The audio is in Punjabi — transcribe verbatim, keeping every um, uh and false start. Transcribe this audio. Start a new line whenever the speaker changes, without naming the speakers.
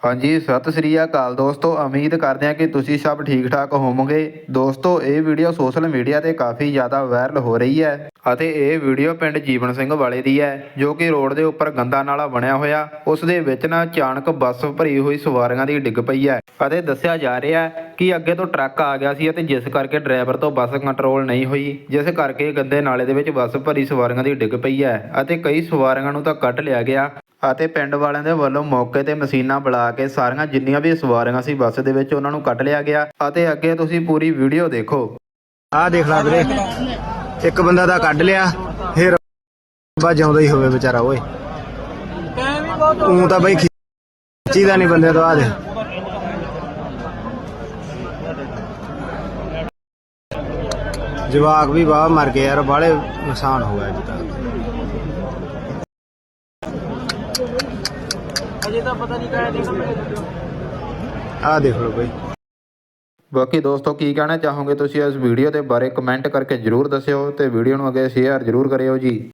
हाँ जी, सत श्री अकाल दोस्तों। उम्मीद करते हैं कि तुसी सब ठीक ठाक होवोगे। दोस्तों ये वीडियो सोशल मीडिया ਤੇ ਕਾਫੀ ਜ਼ਿਆਦਾ ਵਾਇਰਲ ਹੋ ਰਹੀ ਹੈ ਅਤੇ ਇਹ ਵੀਡੀਓ ਪਿੰਡ ਜੀਵਨ ਸਿੰਘ ਵਾਲੇ ਦੀ ਹੈ, ਜੋ ਕਿ ਰੋਡ ਦੇ ਉੱਪਰ ਗੰਦਾ ਨਾਲਾ ਬਣਿਆ ਹੋਇਆ ਉਸ ਦੇ ਵਿੱਚ ਨਾ ਅਚਾਨਕ ਬੱਸ ਭਰੀ ਹੋਈ ਸਵਾਰੀਆਂ ਦੀ ਡਿੱਗ ਪਈ ਹੈ ਅਤੇ ਦੱਸਿਆ ਜਾ ਰਿਹਾ ਹੈ ਕਿ ਅੱਗੇ ਤੋਂ ਟਰੱਕ ਆ ਗਿਆ ਸੀ ਅਤੇ ਜਿਸ ਕਰਕੇ ਡਰਾਈਵਰ ਤੋਂ ਬੱਸ ਕੰਟਰੋਲ ਨਹੀਂ ਹੋਈ, ਜਿਸ ਕਰਕੇ ਗੰਦੇ ਨਾਲੇ ਦੇ ਵਿੱਚ ਬੱਸ ਭਰੀ ਸਵਾਰੀਆਂ ਦੀ ਡਿੱਗ ਪਈ ਹੈ ਅਤੇ ਕਈ ਸਵਾਰੀਆਂ ਨੂੰ ਤਾਂ ਕੱਢ ਲਿਆ ਗਿਆ ਅਤੇ ਪਿੰਡ ਵਾਲਿਆਂ ਦੇ ਵੱਲੋਂ ਮੌਕੇ ਤੇ ਮਸ਼ੀਨਾਂ ਬੁਲਾ ਕੇ ਸਾਰੀਆਂ ਜਿੰਨੀਆਂ ਵੀ ਸਵਾਰੀਆਂ ਸੀ ਬੱਸ ਦੇ ਵਿੱਚ ਉਹਨਾਂ ਨੂੰ ਕੱਢ ਲਿਆ ਗਿਆ ਅਤੇ ਅੱਗੇ ਤੁਸੀਂ ਪੂਰੀ ਵੀਡੀਓ ਦੇਖੋ।
ਆਹ ਦੇਖ ਲਾ ਵੀਰੇ, ਇੱਕ ਬੰਦਾ ਤਾਂ ਕੱਢ ਲਿਆ, ਫਿਰ ਬਾ ਜਿਉਂਦਾ ਹੀ ਹੋਵੇ ਵਿਚਾਰਾ। ਓਏ ਤੂੰ ਤਾਂ ਬਈ ਖਿੱਚੀਦਾ ਨਹੀਂ ਬੰਦੇ ਤੋਂ। ਆ ਦੇ ਜਵਾਕ ਵੀ ਬਾਹਰ ਮਰ ਗਏ ਯਾਰ, ਬਾਹਲੇ ਨੁਕਸਾਨ ਹੋ ਗਿਆ ਜੀ ਤਾਂ। ਆ ਦੇਖ ਲਓ ਬਈ।
ਬਾਕੀ ਦੋਸਤੋ ਕੀ ਕਹਿਣਾ ਚਾਹੋਗੇ ਤੁਸੀਂ ਇਸ ਵੀਡੀਓ ਦੇ ਬਾਰੇ ਕਮੈਂਟ ਕਰਕੇ ਜਰੂਰ ਦੱਸਿਓ ਤੇ ਵੀਡੀਓ ਨੂੰ ਅੱਗੇ ਸ਼ੇਅਰ ਜਰੂਰ ਕਰਿਓ ਜੀ।